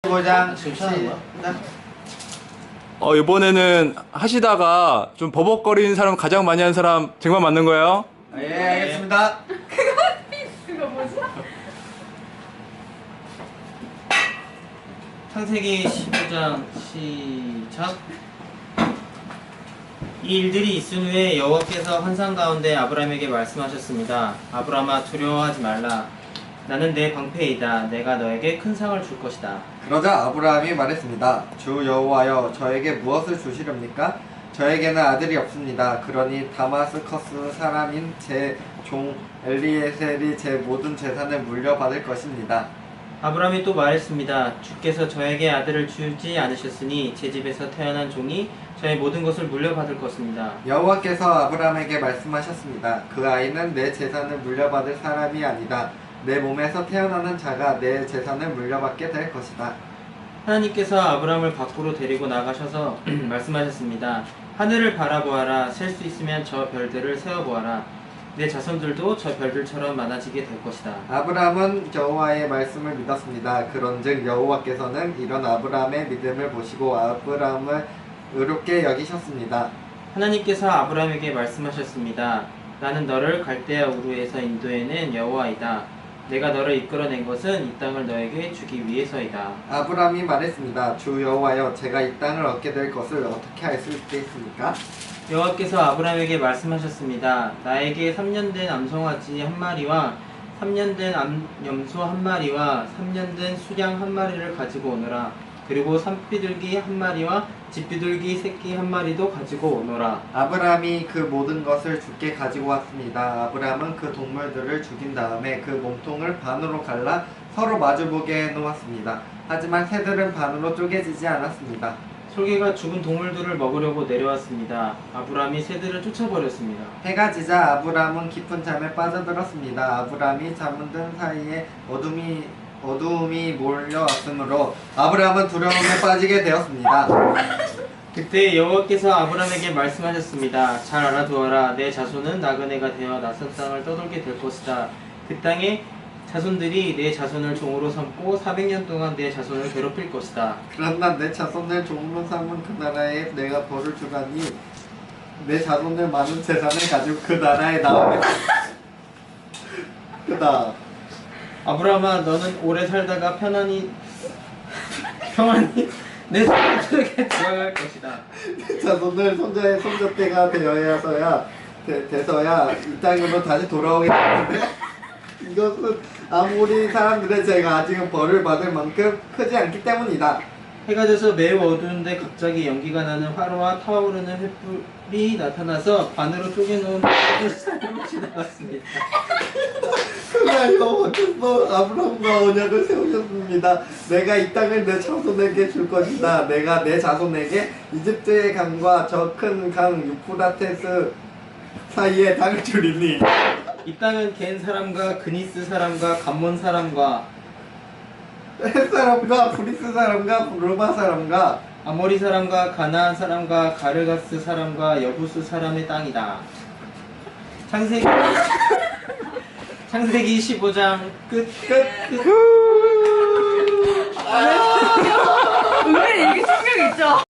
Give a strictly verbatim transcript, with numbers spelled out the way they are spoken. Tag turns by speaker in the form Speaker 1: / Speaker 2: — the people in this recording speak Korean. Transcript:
Speaker 1: 십오 장
Speaker 2: 시작.
Speaker 3: 어, 이번에는 하시다가 좀 버벅거리는 사람 가장 많이 하는 사람 쟁반 맞는 거예요?
Speaker 1: 예, 알겠습니다.
Speaker 4: 그거 뭐지?
Speaker 2: 창세기 십오 장 시작. 이 일들이 있은 후에 여호와께서 환상 가운데 아브라함에게 말씀하셨습니다. 아브라함아, 두려워하지 말라. 나는 내 방패이다. 내가 너에게 큰 상을 줄 것이다.
Speaker 1: 그러자 아브라함이 말했습니다. 주 여호와여, 저에게 무엇을 주시렵니까? 저에게는 아들이 없습니다. 그러니 다마스커스 사람인 제 종 엘리에셀이 제 모든 재산을 물려받을 것입니다.
Speaker 2: 아브라함이 또 말했습니다. 주께서 저에게 아들을 주지 않으셨으니 제 집에서 태어난 종이 저의 모든 것을 물려받을 것입니다.
Speaker 1: 여호와께서 아브라함에게 말씀하셨습니다. 그 아이는 내 재산을 물려받을 사람이 아니다. 내 몸에서 태어나는 자가 내 재산을 물려받게 될 것이다.
Speaker 2: 하나님께서 아브라함을 밖으로 데리고 나가셔서 말씀하셨습니다. 하늘을 바라보아라. 셀 수 있으면 저 별들을 세어보아라. 내 자손들도 저 별들처럼 많아지게 될 것이다.
Speaker 1: 아브라함은 여호와의 말씀을 믿었습니다. 그런즉 여호와께서는 이런 아브라함의 믿음을 보시고 아브라함을 의롭게 여기셨습니다.
Speaker 2: 하나님께서 아브라함에게 말씀하셨습니다. 나는 너를 갈대아 우르에서 인도해낸 여호와이다. 내가 너를 이끌어낸 것은 이 땅을 너에게 주기 위해서이다.
Speaker 1: 아브라함이 말했습니다. 주 여호와여, 제가 이 땅을 얻게 될 것을 어떻게 알 수 있겠습니까?
Speaker 2: 여호와께서 아브라함에게 말씀하셨습니다. 나에게 삼 년 된 암송아지 한 마리와 삼 년 된 염소 한 마리와 삼 년 된 수양 한 마리를 가지고 오너라. 그리고 산비둘기 한 마리와 집비둘기 새끼 한 마리도 가지고 오너라.
Speaker 1: 아브라함이 그 모든 것을 주께 가지고 왔습니다. 아브라함은 그 동물들을 죽인 다음에 그 몸통을 반으로 갈라 서로 마주보게 해놓았습니다. 하지만 새들은 반으로 쪼개지지 않았습니다.
Speaker 2: 솔개가 죽은 동물들을 먹으려고 내려왔습니다. 아브라함이 새들을 쫓아버렸습니다.
Speaker 1: 해가 지자 아브라함은 깊은 잠에 빠져들었습니다. 아브라함이 잠은 든 사이에 어둠이 어두움이 몰려왔으므로 아브라함은 두려움에 빠지게 되었습니다.
Speaker 2: 그때 여호와께서 아브라함에게 말씀하셨습니다. 잘 알아두어라. 내 자손은 나그네가 되어 낯선 땅을 떠돌게 될 것이다. 그 땅에 자손들이 내 자손을 종으로 삼고 사백 년 동안 내 자손을 괴롭힐 것이다.
Speaker 1: 그러나 내 자손을 종으로 삼은 그 나라에 내가 벌을 주가니 내 자손을 많은 재산을 가지고 그 나라에 나오게 그다.
Speaker 2: 아브라함아, 너는 오래 살다가 편안히 평안히 내 자손에게 들어갈 것이다.
Speaker 1: 내 자손을 손자의 손자때가 되어야서야 되, 돼서야 이 땅으로 다시 돌아오게 되는데 이것은 아무리 사람들의 죄가 아직은 벌을 받을 만큼 크지 않기 때문이다.
Speaker 2: 해가 져서 매우 어두운데 갑자기 연기가 나는 화로와 타오르는 횃불이 나타나서 반으로 쪼개놓은 햇빛이 나왔습니다.
Speaker 1: 그날 여호와께서 아브라함과 언약을 세우셨습니다. 내가 이 땅을 내 자손에게 줄 것이다. 내가 내 자손에게 이집트의 강과 저 큰 강 유프라테스 사이에 땅을 주리니
Speaker 2: 이 땅은 겐 사람과 그니스 사람과 감몬 사람과
Speaker 1: 헷 사람과 브리스 사람과 루마 사람과
Speaker 2: 아모리 사람과 가나안 사람과 가르가스 사람과 여부스 사람의 땅이다. 창세기 창세기 십오 장 끝. 끝. 끝.
Speaker 4: 은근히 이게 충격 있죠?